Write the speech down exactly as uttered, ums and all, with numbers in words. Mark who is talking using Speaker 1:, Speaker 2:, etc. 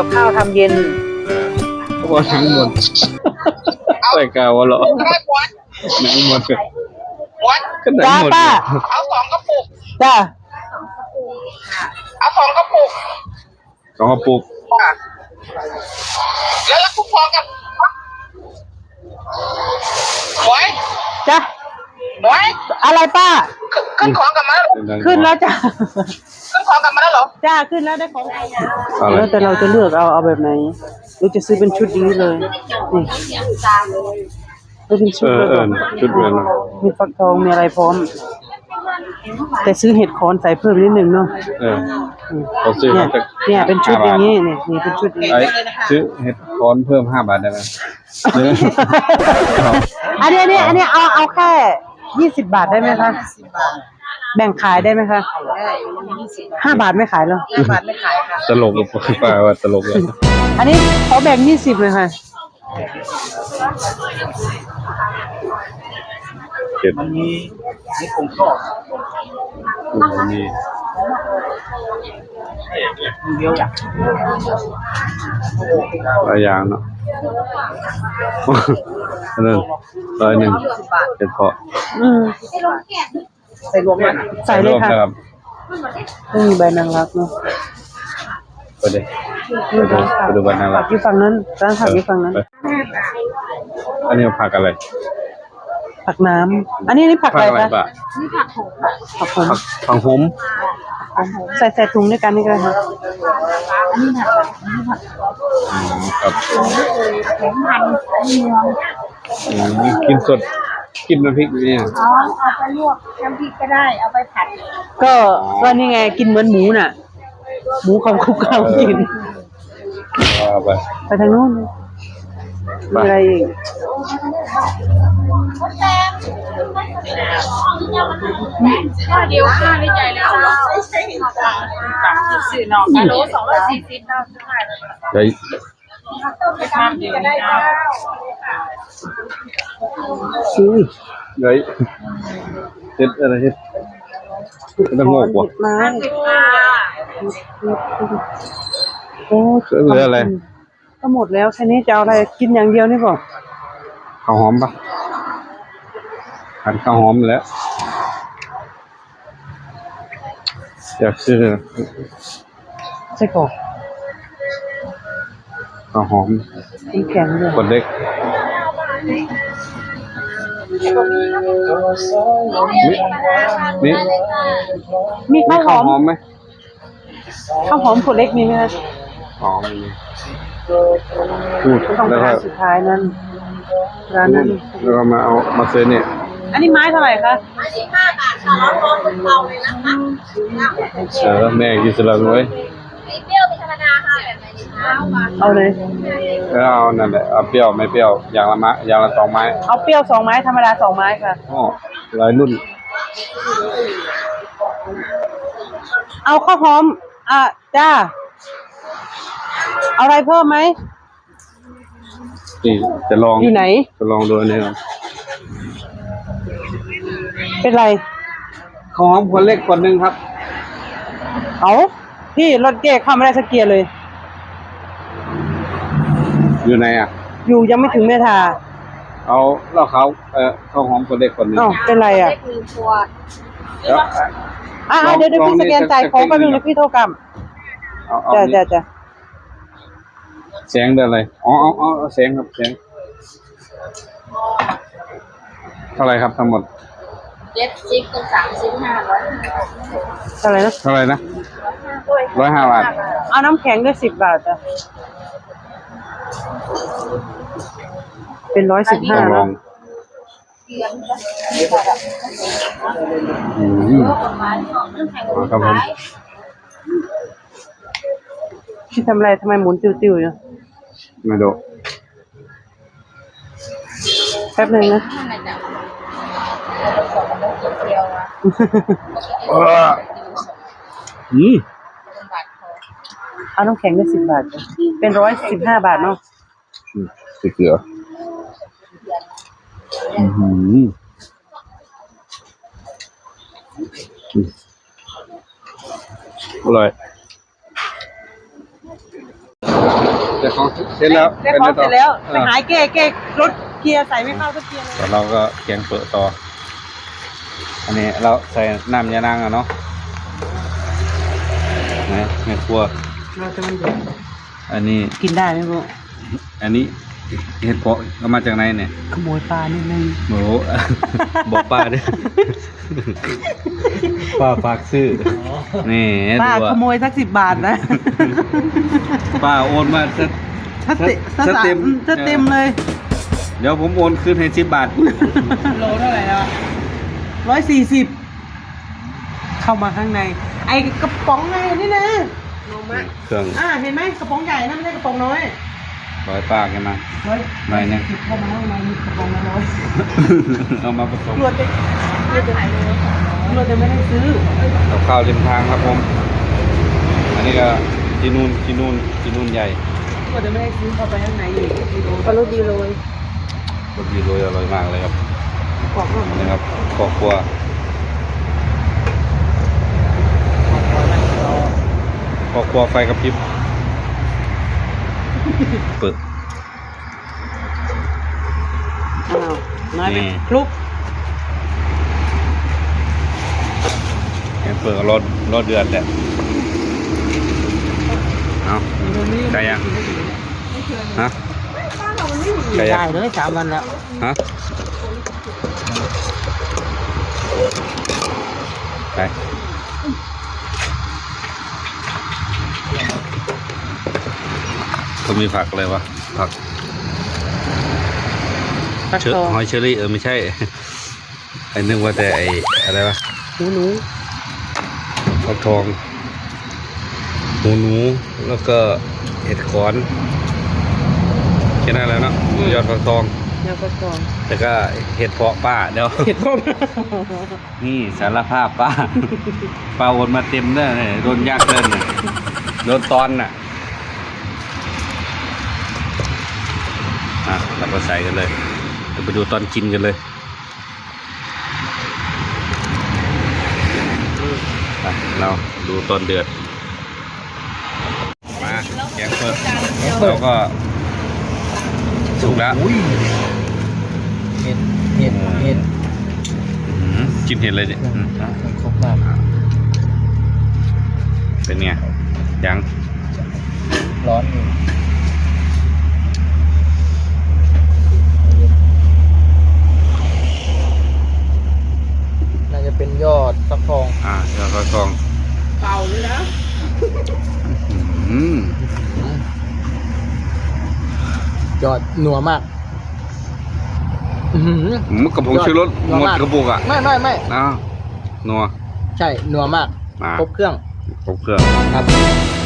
Speaker 1: กับข้าวทำเย็น
Speaker 2: ว่าทั้งหมดใส่กาวเหรอไหนหมดก็ไหนหมด
Speaker 3: เอาสองกระปุก
Speaker 1: จ้า
Speaker 3: เอาสองกระปุก
Speaker 2: สองกระปุก
Speaker 3: แล้วแล้วคุณพอกับหวย
Speaker 1: จ้า
Speaker 3: หวย
Speaker 1: อะไรป้า
Speaker 3: ขึ้นของกลับมาแล้ว
Speaker 1: ขึ้นแล้วจ้า
Speaker 3: ขึ้นของกลับมาแล้วเหรอ
Speaker 1: จ้าขึ้นแล้วได้ของแล้วแต่เราจะเลือกเอาเอาแบบไหนเราจะซื้อเป็นชุดนี้เลยนี่เป็นชุดเลย
Speaker 2: ชุดเลย
Speaker 1: มีฟักทองมีอะไรพร้อมแต่ซื้อเห็ดคอนใส่เพิ่มนิดนึงเนาะ
Speaker 2: เออเขาซื้อ
Speaker 1: เนี่ยเนี่ยเป็นชุดอย่างนี้เนี่ยนี่เป็นชุดนี้
Speaker 2: ซื้อเห็ดคอนเพิ่มห้าบาทได้ไหม
Speaker 1: อันนี้อันนี้อันนี้เอาเอาแค่ยี่สิบบาทได้ไหมคะแบ่งขายได้ไหมคะห้าบาทไม่ขายหรอ
Speaker 3: ห้าบาทไม่ขายค่ะ
Speaker 2: ตลกกับป้าว่าตลกเลย
Speaker 1: อันนี้ขอแบ่งยี่สิบเลยค่ะ
Speaker 2: เก็บนี้นี่คงชอบนี่เดียวอย่างหลายอย่างเนาะนั่นร้อยหนึ่งเป็นเพาะ
Speaker 1: อืม
Speaker 3: ใส่รวมกัน
Speaker 1: ใส่เลยค่ะนี่ใบนางรักเนาะ
Speaker 2: ไปเลยไปดูไปดูใบนางรัก
Speaker 1: อยู่ฝั่งนั้นร้านผักอยู่ฝั่งนั้น
Speaker 2: อันนี้ผักอะไร
Speaker 1: ผักน้ำอันนี้นี่ผักอะไรคะ
Speaker 3: นี่ผักโขม
Speaker 1: ผักโขม
Speaker 2: ผักโขม
Speaker 1: ใส่ใส่ถุงด้วยกันนี่ก็ได้ค่ะ
Speaker 3: นี่ผักนี่ผัก
Speaker 2: ครับ
Speaker 3: แข็งมัน
Speaker 2: เมืองกินสดกินน้ำพริกนี่
Speaker 3: เอาเอาไปลวกน้ำพริกก็ได้เอาไปผัด
Speaker 1: ก็ก็นี่ไงกินเหมือนหมูน่ะหมูของคุกเขากิน
Speaker 2: ไป
Speaker 1: ไปทางโน้นมีอะไรอีก
Speaker 3: ข้าวเดียวข้าวในใจแล้วไม่ใช่หินจ้าสี่หน่อกิโลสองร้อยสี่สิบข้าวเท่าไหร่เลยข้าวเดียวได้ข้าว
Speaker 2: ซื้อเลยเฮ็ดอะไรเฮ็ดต้องงอกว่ะ
Speaker 1: มาโอ้
Speaker 2: เหลืออะไร
Speaker 1: ก็หมดแล้วแค่นี้จะเอาอะไรกินอย่างเดียวนี่ป่ะ
Speaker 2: ข้าวหอมปะหั่นข้าวหอมแล้วอยากซื้อ
Speaker 1: ใส่กรอก
Speaker 2: ข้าวหอม
Speaker 1: น้ำแข็งด้วย
Speaker 2: คนเล็กนี่
Speaker 1: มีข้าวหอม
Speaker 2: ไหม
Speaker 1: ข้าวหอมขวดเล็กมีไหมคะ
Speaker 2: อ๋อมีพูด
Speaker 1: แล้วก็สุดท้ายนั้นร้านนั้น
Speaker 2: แล้วก็มาเอามาซื้อเนี่ย
Speaker 1: อันนี้ไม้เท่าไหร่คะ
Speaker 3: ไม้สิบห้าบาทค่ะร้อนร้อนเหมือนเตาเลยนะคะ
Speaker 2: เออแม่กินสลัดไว้
Speaker 3: มีเปรี้ยวมีธรรมดาค่ะแบบไหนดีคะ
Speaker 1: เอาเลย
Speaker 2: เอานั่นแหละเอาเปรี้ยวไม่เปรี้ยวอย่างละไม้อย่างละสองไม้
Speaker 1: เอาเปรี้ยวสองไม้ธรรมดาสองไม้ค่ะ
Speaker 2: อ๋อหลายรุ่น
Speaker 1: เอาข้าวหอมอ่ะจ้าเอาอะไรเพิ่มไหม
Speaker 2: นี่จะลอง
Speaker 1: อยู่ไหน
Speaker 2: จะลองดูอันนี้ครับ
Speaker 1: เป็นไร
Speaker 2: ข้าวหอมคนเล็กคนหนึ่งครับ
Speaker 1: เอาพี่รถเก๋เข้าไม่ได้สักเกียร์เลย
Speaker 2: อยู่ไหนอ่ะ
Speaker 1: อยู่ยังไม่ถึงเมทา
Speaker 2: เอาเล่าเขาเออข้าวหอมคนเล็กคนหนึ่ง
Speaker 1: อ๋อเป็นไรอ่ะอ่าเดี๋ยวเดี๋ยวพี่สแกนจ่ายของแป๊บนึงนะพี่โทรกลับจ้าจ้าจ้า
Speaker 2: เสียงอะไรอ๋ออ๋ออ๋อเสียงครับเสียงเท่าไรครับทั้งหมด
Speaker 3: เจ็ดสิบกับสามสิบห้าร้อย
Speaker 1: เท่าไรนะ
Speaker 2: เท่าไรนะร้อยห้าบาท
Speaker 1: เอาน้ำแข็งด้วยสิบบาทจ้ะเป็นร้อยสิบห้าแล้ว
Speaker 2: อืมครับผม
Speaker 1: พี่ทำอะไรทำไมหมุนติ้วๆอยู่
Speaker 2: ไม่ดู
Speaker 1: แป๊บนึงนะ
Speaker 2: อืม
Speaker 1: เอาน้ำแข็งได้สิบบาทเป็นร้อยสิบห้าบาทเนาะ
Speaker 2: สีเกลืออืมอร่อยเดี๋ยวของเสร็จแล้ว
Speaker 1: ได้ของเสร็จแล้ว
Speaker 2: เอ
Speaker 1: ไป
Speaker 2: อ
Speaker 1: หายเก้เก้รถเกียร์ใส่ไม่เข้าสักเกียร์เลย
Speaker 2: แล้วเราก็แกงเปิดต่อ อันนี้เราใส่น้ำยานางอ่ะเนาะนะไม่ครัว
Speaker 1: เราจะมันเดือด
Speaker 2: อันนี้
Speaker 1: กินได้ไหมพวก
Speaker 2: อันนี้เห็ดเพาะเอามาจากไหนเนี่ย
Speaker 1: ขโมยปลานิดนึง
Speaker 2: โอ้โห บอกป้าด้วยป้าฝากซื้อนี่
Speaker 1: ป้า
Speaker 2: ดู
Speaker 1: ข
Speaker 2: อะ
Speaker 1: โมยสักสิบบาทนะ
Speaker 2: ป้าโอนมาส
Speaker 1: ถ้าเต็ม
Speaker 2: สเต็ม
Speaker 1: ถ้าเต็มเลย
Speaker 2: เดี๋ยวผมโอนคืนให้สิบบาท
Speaker 1: โลเท่าไหร่แล้วร้อยสี่สิบเข้ามาข้างใน ไอ้กระป๋องไงนี่นะ
Speaker 2: เครื่อง
Speaker 1: อ่าเห็นไหมกระป๋องใหญ่นะไม่ใช่กระป๋องน้อย
Speaker 2: ร้อยป้ากันมา
Speaker 1: ร้อย
Speaker 2: ไม่เนี่ย
Speaker 1: สิบเข้ามาข้างในมีกระป๋องละร้อย
Speaker 2: เอามาผสม
Speaker 1: ตำรวจจะตำรวจจะตำรวจจะไม่ให้ซื้อ
Speaker 2: กับข้าวริมทางครับผม อันนี้ก็จีนูนจีนูนจีนูนใหญ่
Speaker 1: ตำรวจจะไม่ให้ซื้อเข้าไปข้างในอีกปลาลูกดีเลย
Speaker 2: รสดีโรยอร่อยมากเลยครับ
Speaker 1: กรอบมาก
Speaker 2: นี่ครับครอบครัวครอบครัวไฟกระพริบเปิด
Speaker 1: อ้าวน้อยไป
Speaker 2: นี่
Speaker 1: คลุก
Speaker 2: แกงเปิดก็รอรอเดือดแหละเอาไก่ยังฮะไก่ยั
Speaker 1: ได้
Speaker 2: ง
Speaker 1: เลยสามวันแล้ว
Speaker 2: ฮะไปเขามีผักอะไรวะผัก
Speaker 1: ตัก
Speaker 2: เชอ
Speaker 1: ทอง
Speaker 2: หอยเชอรี่เออไม่ใช่ ไอ้นึกว่าแต่ไอ้อะไรวะ
Speaker 1: หนูหนู
Speaker 2: ผักทองหมูหนูแล้วก็เห็ดขอนแค่นั้นแหล้วเนาะยอดผักทอง
Speaker 1: เดี๋ยวก็ทอง
Speaker 2: แต่ก็เห็ดเพาะป้าเดี๋ยว
Speaker 1: เห็ดพวก
Speaker 2: นี่สารภาพป้า ป้าโอนมาเต็มเด้อเนี่ยโดนยากเกินน่ะโดนตอนน่ะอ่ะเราก็ใส่กันเลยเดี๋ยวไปดูตอนกินกันเลยไปเราดูตอนเดือดมาแกงเปิดเราก็สุกแล้ว
Speaker 4: เห็ดเห็ดเห็ด
Speaker 2: อื้อหือกินเห็ดเลยเนี่ยอืม
Speaker 4: มันครบมาก
Speaker 2: เป็นไงยัง
Speaker 4: ร้อนอยู่น่าจะเป็นยอดฟักทอง
Speaker 2: อ่าเดี๋ยวก็กอง
Speaker 1: เป่าเลยนะ
Speaker 2: อืม
Speaker 4: ยอดหนัวมากอื้อหือ
Speaker 2: มันกระพงชูรส
Speaker 4: นัว
Speaker 2: หมด
Speaker 4: มาก
Speaker 2: กระปุกอ่ะ
Speaker 4: ไม่ไม่ไม่
Speaker 2: อ้าวนัว
Speaker 4: ใช่นัวมาก
Speaker 2: มา
Speaker 4: ครบเครื่อง
Speaker 2: ครบเครื่อง
Speaker 4: ครับ